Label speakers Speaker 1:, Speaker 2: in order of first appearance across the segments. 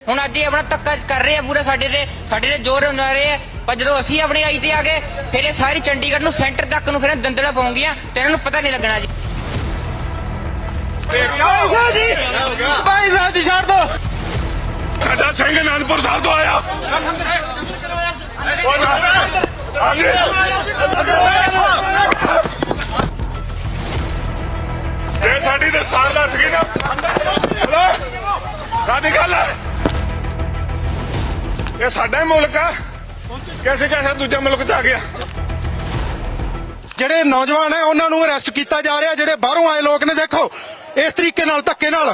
Speaker 1: ਹੁਣ ਅੱਜ ਇਹ ਆਪਣਾ ਧੱਕਾ ਕਰ ਰਹੇ ਆ ਪੂਰਾ ਸਾਡੇ ਤੇ ਜ਼ੋਰ ਲਾ ਰਹੇ ਆ। ਪਰ ਜਦੋਂ ਅਸੀਂ ਆਪਣੀ ਆਈ ਤੇ ਆ ਗਏ ਫਿਰ ਇਹ ਸਾਰੀ ਚੰਡੀਗੜ੍ਹ ਨੂੰ ਸੈਂਟਰ ਤੱਕ ਨੂੰ ਫਿਰ ਦੰਦਲਾ ਪਾਉਂਗੀਆਂ ਤੇ ਇਹਨਾਂ ਨੂੰ ਪਤਾ ਨਹੀਂ ਲੱਗਣਾ ਜੀ।
Speaker 2: ਭਾਈ ਸਾਹਿਬ ਜੀ ਛੱਡ ਦੋ।
Speaker 3: ਸਾਡਾ ਸਿੰਘ ਅਨੰਦਪੁਰ ਸਾਹਿਬ ਤੋਂ ਆਇਆ। ਜੇ ਸਾਡੀ ਦਸਤਾਰ ਦੱਸ ਗਈ ਨਾ ਕਾਹਦੀ ਗੱਲ ਹੈ। ਇਹ ਸਾਡਾ ਹੀ ਮੁਲਕ ਆ। ਕਿਸੇ ਦੂਜੇ ਮੁਲਕ ਚ ਆ ਗਿਆ।
Speaker 4: ਜਿਹੜੇ ਨੌਜਵਾਨ ਹੈ ਉਹਨਾਂ ਨੂੰ ਅਰੈਸਟ ਕੀਤਾ ਜਾ ਰਿਹਾ। ਜਿਹੜੇ ਬਾਹਰੋਂ ਆਏ ਲੋਕ ਨੇ ਦੇਖੋ ਇਸ ਤਰੀਕੇ ਨਾਲ ਧੱਕੇ ਨਾਲ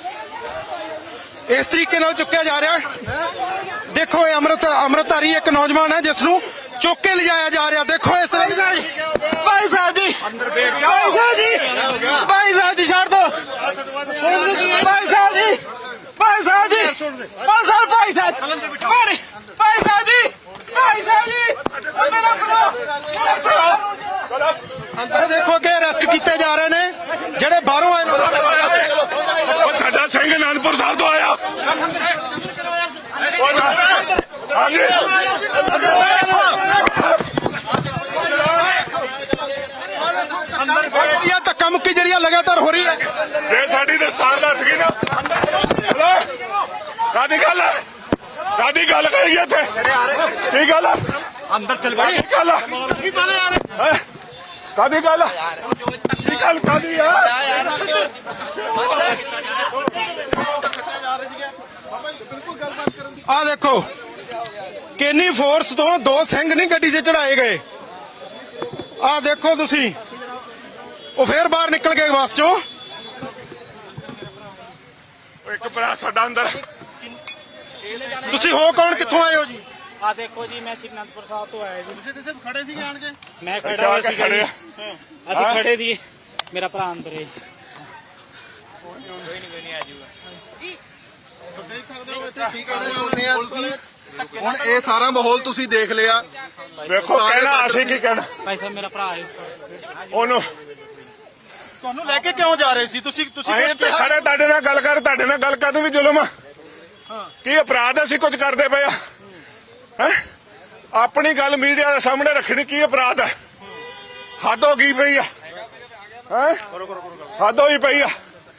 Speaker 4: ਚੁੱਕਿਆ ਜਾ ਰਿਹਾ। ਦੇਖੋ ਇਹ ਅੰਮ੍ਰਿਤਧਾਰੀ ਇੱਕ ਨੌਜਵਾਨ ਹੈ ਜਿਸ ਨੂੰ ਚੁੱਕ ਕੇ ਲਿਜਾਇਆ ਜਾ ਰਿਹਾ। ਦੇਖੋ ਇਸ ਤਰ੍ਹਾਂ
Speaker 2: ਭਾਈ ਸਾਹਿਬ ਜੀ ਭਾਈ ਸਾਹਿਬ ਜੀ ਛੱਡ ਦੋ। ਭਾਈ ਸਾਹਿਬ ਜੀ ਭਾਈ ਸਾਹਿਬ ਜੀ ਮੇਰਾ
Speaker 4: ਅੰਦਰ ਦੇਖੋ ਕਿ ਅਰੈਸਟ ਕੀਤੇ ਜਾ ਰਹੇ ਨੇ ਜਿਹੜੇ ਬਾਹਰੋਂ ਆਏ
Speaker 3: ਉਹ ਸਾਡਾ ਸਿੰਘ ਅਨੰਦਪੁਰ ਸਾਹਿਬ ਤੋਂ ਆਇਆ। ਧੱਕਾ ਮੁੱਕੀ ਜਿਹੜੀ ਲਗਾਤਾਰ ਹੋ ਰਹੀ ਹੈ। ਜੇ ਸਾਡੀ ਦਸਤਾਰ ਦੱਸ ਗਈ ਨਾ ਕਾਹਦੀ ਗੱਲ ਕਰੀ ਇੱਥੇ ਕੀ ਗੱਲ ਅੰਦਰ ਚਲ ਗਈ ਗੱਲ ਕਾਹਦੀ ਗੱਲ ਕਾਹਦੀ ਆ।
Speaker 4: ਆ ਦੇਖੋ ਕਿੰਨੀ ਫੋਰਸ ਤੋਂ ਦੋ ਸਿੰਘ ਨਹੀਂ ਗੱਡੀ 'ਚ ਚੜਾਏ ਗਏ। ਆ ਦੇਖੋ ਤੁਸੀਂ ਉਹ ਫੇਰ ਬਾਹਰ ਨਿਕਲ ਗਏ ਬੱਸ ਚੋਂ।
Speaker 3: ਇੱਕ ਭਰਾ ਸਾਡਾ ਅੰਦਰ।
Speaker 4: ਤੁਸੀਂ ਹੋ ਕੌਣ, ਕਿੱਥੋਂ ਆਏ ਹੋ ਜੀ?
Speaker 2: ਆ ਦੇਖੋ ਜੀ ਮੈਂ ਅਨੰਦਪੁਰ ਸਾਹਿਬ ਤੋਂ ਆਇਆ ਜੀ।
Speaker 4: ਤੁਸੀਂ ਸਿਰਫ ਖੜੇ ਸੀ ਜਾਣ ਕੇ?
Speaker 2: ਮੈਂ ਖੜਾ ਸੀ ਖੜੇ ਅਸੀਂ ਖੜੇ ਸੀ। ਮੇਰਾ ਭਰਾ ਅੰਦਰ ਹੈ। ਕੋਈ ਨਹੀਂ ਆਜੂਗਾ ਜੀ।
Speaker 5: ਦੇਖ ਸਕਦੇ ਹੋ ਇੱਥੇ ਸੀ ਕਾਹਦੇ ਚੁਣਨੇ ਆ ਤੁਸੀਂ। ਹੁਣ ਇਹ ਸਾਰਾ ਮਾਹੌਲ ਤੁਸੀਂ ਦੇਖ ਲਿਆ।
Speaker 3: ਵੇਖੋ ਕਹਿਣਾ ਅਸੀਂ ਕੀ ਕਹਿਣਾ।
Speaker 2: ਭਾਈ ਸਾਹਿਬ ਮੇਰਾ ਭਰਾ ਹੈ।
Speaker 3: ਉਹਨੂੰ
Speaker 4: ਤੁਹਾਨੂੰ ਲੈ ਕੇ ਕਿਉਂ ਜਾ ਰਹੇ ਸੀ ਤੁਸੀਂ?
Speaker 3: ਅਸੀਂ ਤੇ ਖੜੇ ਤੁਹਾਡੇ ਨਾਲ ਗੱਲ ਕਰਨ ਵੀ ਜ਼ੁਲਮ ਆ। ਕੀ ਅਪਰਾਧ ਅਸੀਂ ਕੁਝ ਕਰਦੇ ਪਏ ਆ ਹੈ? ਆਪਣੀ ਗੱਲ ਮੀਡੀਆ ਦੇ ਸਾਹਮਣੇ ਰੱਖਣੀ ਕੀ ਅਪਰਾਧ ਹੈ? ਹੱਦ ਹੋ ਗਈ ਪਈ ਆ ਹੈ। ਹੱਦ ਹੋਈ ਪਈ ਆ।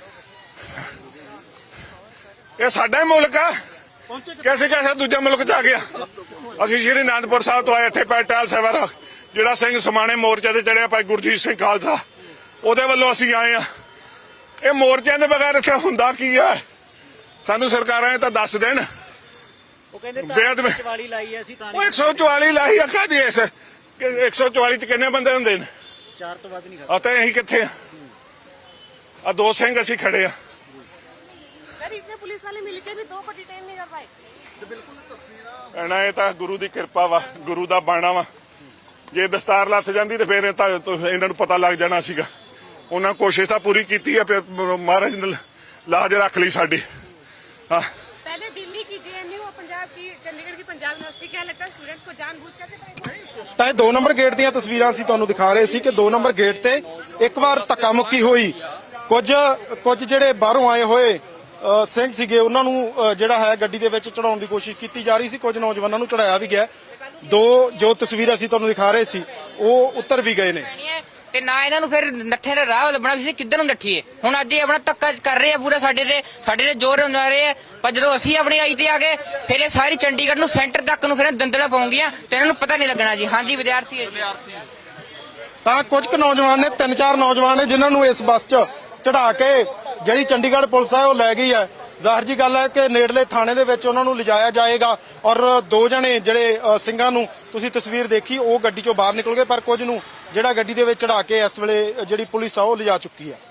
Speaker 3: ਇਹ ਸਾਡਾ ਹੀ ਮੁਲਕ ਆ। ਕਿਸੇ ਦੂਜੇ ਮੁਲਕ ਚ ਆ ਗਿਆ। ਅਸੀਂ ਸ਼੍ਰੀ ਅਨੰਦਪੁਰ ਸਾਹਿਬ ਤੋਂ ਆਏ। ਇੱਥੇ ਪੈਟਾਲ ਸੇਵਾ ਜਿਹੜਾ ਸਿੰਘ ਸਮਾਣੇ ਮੋਰਚੇ ਤੇ ਚੜਿਆ ਭਾਈ ਗੁਰਜੀਤ ਸਿੰਘ ਖਾਲਸਾ ਉਹਦੇ ਵੱਲੋਂ ਅਸੀਂ ਆਏ ਆ। ਇਹ ਮੋਰਚਿਆਂ ਦੇ ਬਗੈਰ ਇੱਥੇ ਹੁੰਦਾ ਕੀ ਆ? ਸਾਨੂੰ ਸਰਕਾਰਾਂ ਇਹ ਤਾਂ ਦੱਸ ਦੇਣ।
Speaker 2: ਉਹ ਕਹਿੰਦੇ 144 ਲਾਈ ਅਸੀਂ ਤਾਂ।
Speaker 3: ਉਹ 144 ਲਾਈ ਆ ਕਾਹਦੀ? ਇਸ 144 ਚ ਕਿੰਨੇ ਬੰਦੇ ਹੁੰਦੇ ਨੇ?
Speaker 2: 4 ਤੋਂ ਵੱਧ ਨਹੀਂ
Speaker 3: ਆ ਤਾਂ ਅਸੀਂ ਕਿੱਥੇ ਆ? ਆ ਦੋ ਸਿੰਘ ਅਸੀਂ ਖੜੇ ਆ।
Speaker 6: पुलिस वाले मिलकर भी 2 को डिटेन नहीं कर पाए।
Speaker 3: ਇਹਨਾਂ ਇਹ ਤਾਂ ਗੁਰੂ ਦੀ ਕਿਰਪਾ ਵਾ, ਗੁਰੂ ਦਾ ਬਾਣਾ ਵਾ। ਜੇ ਦਸਤਾਰ ਲੱਥ ਜਾਂਦੀ ਤੇ ਫਿਰ ਇਹਨਾਂ ਨੂੰ ਪਤਾ ਲੱਗ ਜਾਣਾ ਸੀਗਾ। ਉਹਨਾਂ ਕੋਸ਼ਿਸ਼ ਤਾਂ ਪੂਰੀ ਕੀਤੀ ਹੈ। ਮਹਾਰਾਜ ਨੇ ਲਾਜ ਰੱਖ ਲਈ ਸਾਡੀ।
Speaker 6: पहले दिल्ली की जेएनयू और पंजाब की चंडीगढ़ की पंजाब यूनिवर्सिटी क्या लगता है स्टूडेंट्स को जानबूझकर से
Speaker 4: ਤਾਂ ਇਹ 2 ਨੰਬਰ ਗੇਟ ਦੀਆਂ ਤਸਵੀਰਾਂ ਅਸੀਂ ਤੁਹਾਨੂੰ ਦਿਖਾ ਰਹੇ ਸੀ ਕਿ 2 ਨੰਬਰ ਗੇਟ ਤੇ ਇੱਕ ਵਾਰ ਧੱਕਾ ਮੁੱਕੀ ਹੋਈ। ਕੁਝ ਜਿਹੜੇ ਬਾਹਰੋਂ ਆਏ ਹੋਏ ਸਿੰਘ ਸੀਗੇ ਉਹਨਾਂ ਨੂੰ ਜਿਹੜਾ ਹੈ ਗੱਡੀ ਦੇ ਵਿੱਚ ਚੜਾਉਣ ਦੀ ਕੋਸ਼ਿਸ਼ ਕੀਤੀ ਜਾ ਰਹੀ ਸੀ। ਕੁਝ ਨੌਜਵਾਨਾਂ ਨੂੰ ਚੜਾਇਆ ਵੀ ਗਿਆ। 2 ਜੋ ਤਸਵੀਰਾਂ ਅਸੀਂ ਤੁਹਾਨੂੰ ਦਿਖਾ ਰਹੇ ਸੀ ਉਹ ਉੱਤਰ ਵੀ ਗਏ ਨੇ
Speaker 1: ਤੇ ਨਾ ਇਹਨਾਂ ਨੂੰ ਫਿਰ ਨੱਠੇ ਦਾ ਰਾਹ ਲੱਭਣਾ ਵੀ ਕਿੱਧਰ ਨੂੰ ਨੱਠੀਏ। ਹੁਣ ਅੱਜ ਇਹ ਆਪਣਾ ਧੱਕਾ ਕਰ ਰਹੇ ਆ ਪੂਰਾ ਸਾਡੇ ਤੇ ਜ਼ੋਰ ਲਾ ਰਹੇ ਆ। ਪਰ ਜਦੋਂ ਅਸੀਂ ਆਪਣੀ ਆਈ ਤੇ ਆ ਗਏ ਫਿਰ ਇਹ ਸਾਰੀ ਚੰਡੀਗੜ੍ਹ ਨੂੰ ਸੈਂਟਰ ਤੱਕ ਨੂੰ ਫਿਰ ਦੰਦਲਾ ਪਾਉਂਗੀਆਂ ਤੇ ਇਹਨਾਂ ਨੂੰ ਪਤਾ ਨਹੀਂ ਲੱਗਣਾ ਜੀ। ਹਾਂਜੀ ਵਿਦਿਆਰਥੀ ਹੈ ਜੀ।
Speaker 4: ਤਾਂ ਕੁਝ ਕੁ ਨੌਜਵਾਨ ਨੇ 3-4 ਨੌਜਵਾਨ ਨੇ ਜਿਨ੍ਹਾਂ ਨੂੰ ਇਸ ਬੱਸ 'ਚ ਚੜਾ ਕੇ ਜਿਹੜੀ ਚੰਡੀਗੜ੍ਹ ਪੁਲਿਸ ਹੈ ਉਹ ਲੈ ਗਈ ਹੈ। ਜ਼ਾਹਿਰ ਜੀ ਗੱਲ ਹੈ ਕਿ ਨੇੜਲੇ ਥਾਣੇ ਦੇ ਵਿੱਚ ਉਹਨਾਂ ਨੂੰ ਲਿਜਾਇਆ ਜਾਏਗਾ। ਔਰ 2 ਜਣੇ ਜਿਹੜੇ ਸਿੰਘਾਂ ਨੂੰ ਤੁਸੀਂ ਤਸਵੀਰ ਦੇਖੀ ਉਹ ਗੱਡੀ 'ਚੋਂ ਬਾਹਰ ਨਿਕਲ ਗਏ। ਪਰ ਕੁਝ ਨੂੰ ਜਿਹੜਾ ਗੱਡੀ ਦੇ ਵਿੱਚ ਚੜਾ ਕੇ ਇਸ ਵੇਲੇ ਜਿਹੜੀ ਪੁਲਿਸ ਆ ਉਹ ਲਿਜਾ ਚੁੱਕੀ ਹੈ।